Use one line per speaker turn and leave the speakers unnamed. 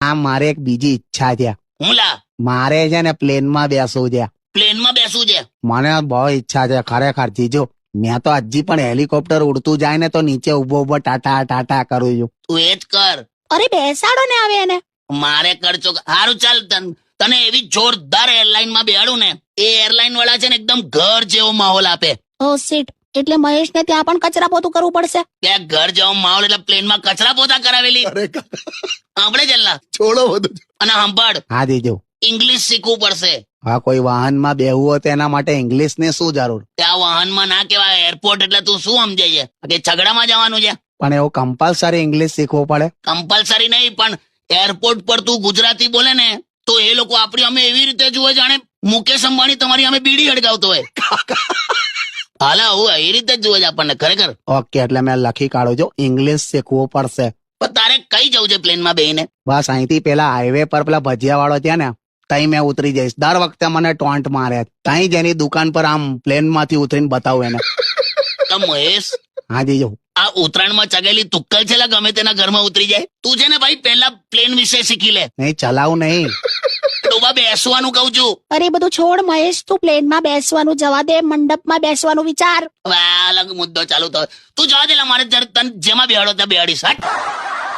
મારે એક બીજી ઈચ્છા છે.
હું લા
મારે છે ને પ્લેનમાં બેસવું છે.
પ્લેનમાં બેસવું છે?
મને બહુ ઈચ્છા છે ખરેખર જીજો. મેં તો હજી પણ હેલિકોપ્ટર ઉડતું જાય ને તો નીચે ઉભો ટાટા ટાટા કરું છું.
તું એ જ કર.
અરે બેસાડો ને આવે એને.
મારે કરજો. સારું ચાલ, તને એવી જોરદાર એરલાઇન માં બેહાડું ને, એ એરલાઇન વાળા છે ને એકદમ ઘર જેવો માહોલ આપે.
ઓ સીટ, એટલે મહેશને ત્યાં પણ કચરા પોતું કરવું પડશે.
ત્યાં ઘર જેવો માહોલ એટલે પ્લેનમાં કચરા પોતા કરાવેલી. આપણે ચાલના
છોડો બધું.
અને સાંભળ,
હા જીજો.
ઇંગ્લિશ શીખવું પડશે.
હા, કોઈ વાહનમાં બેહવું હોય તો એના માટે ઇંગ્લિશ ની શું જરૂર?
ત્યાં વાહનમાં ના કહેવાય, એરપોર્ટ એટલે તું શું સમજે છે કે ઝઘડામાં જવાનું છે?
પણ એવું કમ્પલસરી ઇંગ્લિશ શીખવું પડે?
કમ્પલસરી નહીં, પણ એરપોર્ટ પર તું ગુજરાતી બોલે ને તો એ લોકો આપણી અમે એવી રીતે જુએ જાણે મુકેશ અંબાણી તમારી અમે બીડી હડગાવતો હોય. હાલા હું એ રીતે જ જુએ છે આપણને ખરેખર.
ઓકે, એટલે મેં લખી કાઢું છું, ઇંગ્લિશ શીખવું પડશે.
પણ તારે કઈ જવું છે પ્લેનમાં બેહીને?
બસ અહીંથી પેલા હાઈવે પર પેલા ભજીયા વાળો ત્યાં ને તઈ મેં ઉતરી જઈશ. દર વખતે મને ટોન્ટ મારે. તઈ જ એની દુકાન પર આમ પ્લેન માંથી ઉતરીને બતાવું એને.
તો મહેશ,
હા જીજો.
આ ઉત્તરાયણમાં ચગેલી તુક્કલ છે ગમે તેના ઘરમાં ઉતરી જાય. તું છે ને ભાઈ પહેલા પ્લેન વિશે શીખી લે.
નહીં, ચલાવું નહીં.
ડોબા બેસવાનું કહું છું.
અરે બધું છોડ મહેશ, તું પ્લેનમાં બેસવાનું જવા દે, મંડપમાં બેસવાનું વિચાર.
હવે આ અલગ મુદ્દો ચાલુ થયો. તું જવા દે, મારે તને જેમાં બેહાડો ત્યાં બેહાડીશ. હટ.